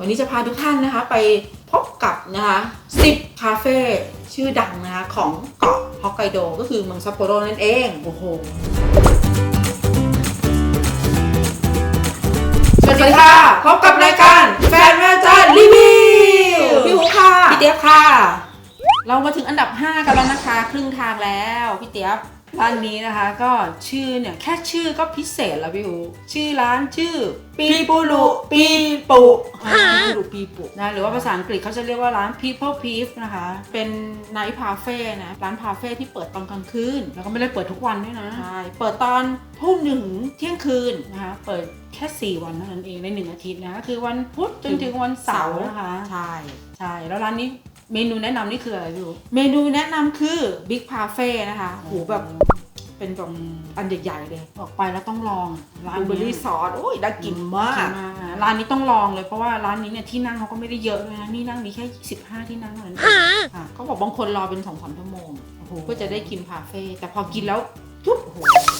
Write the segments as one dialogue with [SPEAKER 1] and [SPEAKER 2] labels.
[SPEAKER 1] วันนี้จะพาทุกท่านนะคะไปพบกับนะคะ10 คาเฟ่ชื่อดังนะคะของเกาะฮอกไกโดก็คือเมืองซัปโปโรนั่นเองโอ้โหสวัสดีค่ะพบกับรายการแฟนแม่จ้ารีวิวพี่หูค่ะพี่เตี้ยบค่ะเรามาถึงอันดับ5กันแล้วนะคะครึ่งทางแล้วพี่เตี้ยบร้านนี้นะคะก็ชื่อเนี่ยแค่ชื่อก็พิเศษแล้วพี่หูชื่อร้านชื่อปีปุรุปีปุปีปุรุปีปุนะหรือว่าภาษาอังกฤษเขาจะเรียกว่าร้าน People Peep นะคะเป็นไนท์พาเฟ่นะร้านพาเฟ่ที่เปิดตอนกลางคืนแล้วก็ไม่ได้เปิดทุกวันด้วยนะใช่เปิดตอนทุ่มถึงเที่ยงคืนนะคะเปิดแค่4 วันเท่านั้นเองใน1 อาทิตย์นะก็คือวันพุธจนถึงวันเสาร์นะคะใช่แล้วร้านนี้เมนูแนะนำนี่คืออะไรพี่เมนูแนะนำคือ Big Parfait นะคะโหแบบเป็นแบบอันใหญ่ๆเลยออกไปแล้วต้องลองร้านบลูเบอร์รี่ซอสโอ้ยน่ากินมากร้านนี้ต้องลองเลยเพราะว่าร้านนี้เนี่ยที่นั่งเขาก็ไม่ได้เยอะเลยนะนี่นั่งมีแค่15 ที่นั่งเท่านั้นเขาบอกบางคนรอเป็น 2-3 ชั่วโมงเพื่อจะได้กินพาเฟ่แต่พอกินแล้วทุบโอ้โห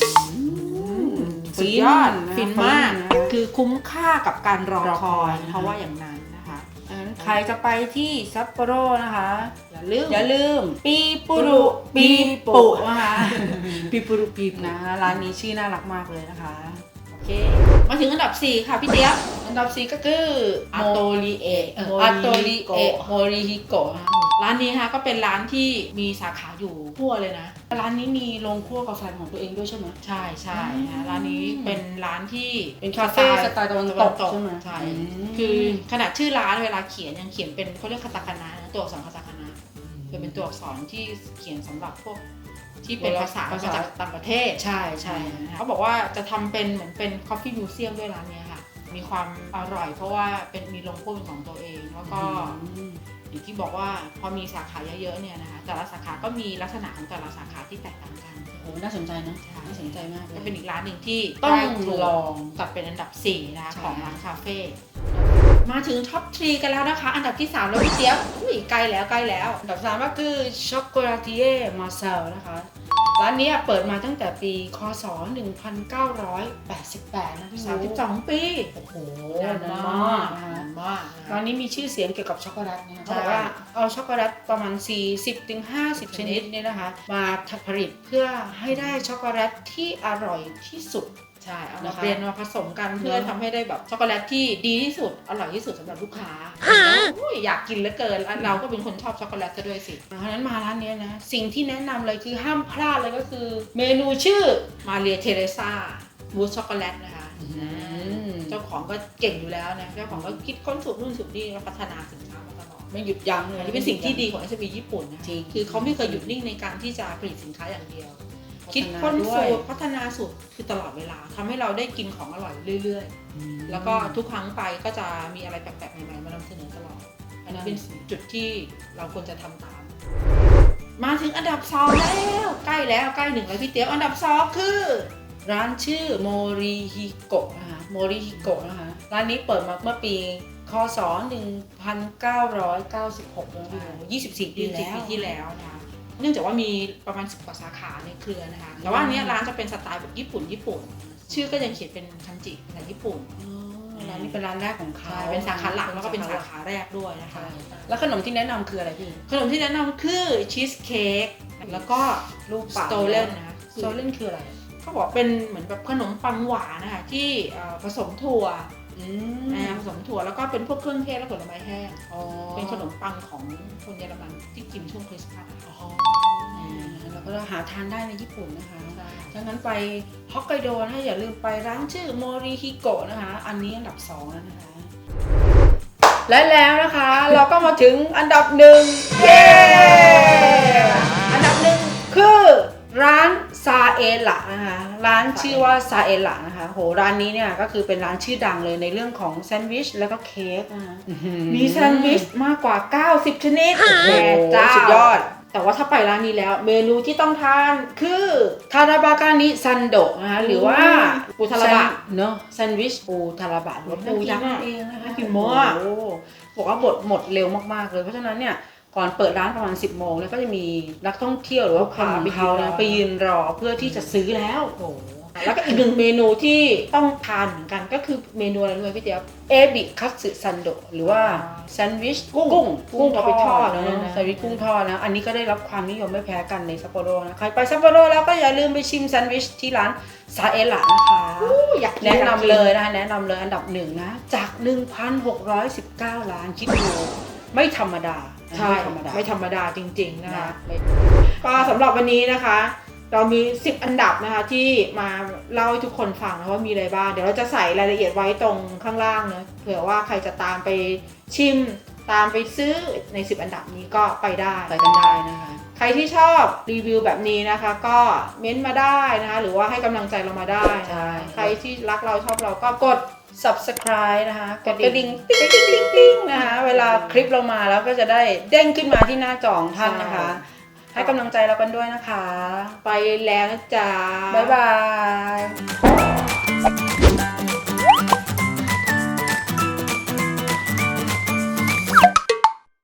[SPEAKER 1] สุดยอดฟินมากคือคุ้มค่ากับการรอคอยเพราะว่าอย่างนั้นใครจะไปที่ซัปโปโรนะคะอย่าลืมปีปุรุปีปุนะคะปีปุรุปีนะร้านนี้ชื่อน่ารักมากเลยนะคะโอเคมาถึงอันดับ4ค่ะพี่เตี้ยบอันดับ4ก็คืออาโตริเอะโมริฮิโกะร้านนี้นะคะก็เป็นร้านที่มีสาขาอยู่ทั่วเลยนะร้านนี้มีโรงคั่วกาแฟของตัวเองด้วยใช่ไหมใช่นะร้านนี้เป็นร้านที่เป็นคาเฟ่สไตล์ตะวันตกใช่ไหมใช่คือขนาดชื่อร้านเวลาเขียนยังเขียนเป็นเขาเรียกคาตาคานะตัวอักษรคาตาคานะคือเป็นตัวอักษรที่เขียนสำหรับพวกที่เป็นภาษาจากต่างประเทศใช่เขาบอกว่าจะทำเป็นเหมือนเป็นคอฟฟี่มิวเซียมด้วยร้านนี้ค่ะมีความอร่อยเพราะว่าเป็นมีโรงคั่วเป็นของตัวเองแล้วก็อย่างที่บอกว่าพอมีสาขาเยอะๆเนี่ยนะคะแต่ละสาขาก็มีลักษณะของแต่ละสาขาที่แตกต่างกันโอ้น่าสนใจนะน่าสนใจมากก็เป็นอีกร้านหนึ่งที่ต้องลองกับเป็นอันดับ4นะคะของร้านคาเฟ่มาถึงท็อป 3 กันแล้วนะคะอันดับที่3แล้วพี่เจี๊ยบใกล้แล้วอันดับ3ก็คือช็อกโกแลตเย่มาเซลนะคะร้านนี้เปิดมาตั้งแต่ปีคศ1988นะ32 ปีโอ้โหนานมากร้านนี้มีชื่อเสียงเกี่ยวกับช็อกโกแลตนะเขาบอกว่าเอาช็อกโกแลตประมาณ 40-50 ชนิดเนี่ยนะคะมาผลิตเพื่อให้ได้ช็อกโกแลตที่อร่อยที่สุดใช่เอามาเปลี่ยนมาผสมกันเพื่อทำให้ได้แบบช็อกโกแลตที่ดีที่สุดอร่อยที่สุดสำหรับลูกค้าอยากกินเหลือเกินเราก็เป็นคนชอบช็อกโกแลตซะด้วยสิเพราะฉะนั้นมาร้านนี้นะสิ่งที่แนะนำเลยคือห้ามพลาดเลยก็คือเมนูชื่อมาเรียเทเรซ่ามูสช็อกโกแลตนะคะเจ้าของก็เก่งอยู่แล้วนะเจ้าของก็คิดค้นสูตรนู่นสูตรนี่แล้วพัฒนาสินค้ามาตลอดไม่หยุดยั้งเลยนี่เป็นสิ่งที่ดีของ SB ญี่ปุ่นนะคือเขาไม่เคยหยุดนิ่งในการที่จะผลิตสินค้าอย่างเดียวคิดค้นสูตรพัฒนาสูตรคือตลอดเวลาทำให้เราได้กินของอร่อยเรื่อยๆแล้วก็ทุกครั้งไปก็จะมีอะไรแปลกๆใหม่ๆมานำเสนอตลอดอันนี้เป็นจุดที่เราควรจะทำตามมาถึงอันดับ2แล้วใกล้1แล้วพี่เตี้ยอันดับ2คือร้านชื่อโมริฮิโกะนะคะโมริฮิโกะนะคะร้านนี้เปิดมาเมื่อปีคศ1996แล้ว24 ปีที่แล้วนะคะเนื่องจากว่ามีประมาณ10 กว่าสาขาในเครือนะคะแต่ว่าอันนี้ร้านจะเป็นสไตล์แบบญี่ปุ่นชื่อก็ยังเขียนเป็นคันจิภาษาญี่ปุ่นร้านนี้เป็นร้านแรกของเขาเป็นสาขาหลักแล้วก็เป็นสาขาแรกด้วยนะคะแล้วขนมที่แนะนำคืออะไรพี่ขนมที่แนะนำคือชีสเค้กแล้วก็ลูกสโตเลนนะคะสโตเลนคืออะไรเขาบอกเป็นเหมือนแบบขนมปังหวานนะคะที่ผสมถั่วผสมถั่วแล้วก็เป็นพวกเครื่องเทศและผลไม้แห้งเป็นขนมปังของคนเยอรมันที่กินช่วงคริสต์มาสแล้วก็หาทานได้ในญี่ปุ่นนะคะดังนั้นไปฮอกไกโดนะอย่าลืมไปร้านชื่อโมริฮิโกะนะคะอันนี้อันดับ2แล้วนะคะและแล้วนะคะเราก็มาถึงอันดับ1เย้อันดับ1คือร้านซาเอละนะคะร้านชื่อว่าซาเอละนะคะโหร้านนี้เนี่ยก็คือเป็นร้านชื่อดังเลยในเรื่องของแซนด์วิชแล้วก็เค้กนะคะมีแซนด์วิชมากกว่า90 ชนิดแม่เจ้าสุดยอดแต่ว่าถ้าไปร้านนี้แล้วเมนูที่ต้องทานคือทาราบากานิซันโดะนะคะหรือว่าปูทาราบะเนาะแซนด์วิชปูทาราบะหรือปูยักษ์เองนะคะกินมากบอกว่าหมดเร็วมากๆเลยเพราะฉะนั้นเนี่ยก่อนเปิดร้านประมาณ 10 โมงเนี่ยก็จะมีนักท่องเที่ยวหรือว่าคนเขาไปยืนรอเพื่อที่จะซื้อแล้วโอ้แล้วก็อีกหนึ่งเมนูที่ต้องทานเหมือนกันก็คือเมนูอะไรรู้ไหมพี่เจี๊ยบเอบิคัตสึซันโดหรือว่าแซนด์วิชกุ้งเอาไปทอดนะแซนด์วิชกุ้งทอดนะอันนี้ก็ได้รับความนิยมไม่แพ้กันในซัปโปโรนะใครไปซัปโปโรแล้วก็อย่าลืมไปชิมแซนด์วิชที่ร้านซาเอละนะคะอยากแนะนำเลยนะคะแนะนำเลยอันดับ1นะจาก 1,619 ล้านคิดดูไม่ธรรมดาใช่ไม่ธรรมดาจริงๆนะคะก็สำหรับวันนี้นะคะเรามี10อันดับนะคะที่มาเล่าให้ทุกคนฟังนะว่ามีอะไรบ้างเดี๋ยวเราจะใส่รายละเอียดไว้ตรงข้างล่างเนอะเผื่อว่าใครจะตามไปชิมตามไปซื้อใน10อันดับนี้ก็ไปกันได้นะคะใครที่ชอบรีวิวแบบนี้นะคะก็เม้นต์มาได้นะคะหรือว่าให้กำลังใจเรามาได้ใครที่รักเราชอบเราก็กด subscribe นะคะกดกระดิ่งติ๊งนะคะเวลาคลิปเรามาแล้วก็จะได้เด้งขึ้นมาที่หน้าจอของท่านนะคะให้กำลังใจเรากันด้วยนะคะไปแล้วนะจ๊ะบ๊ายบาย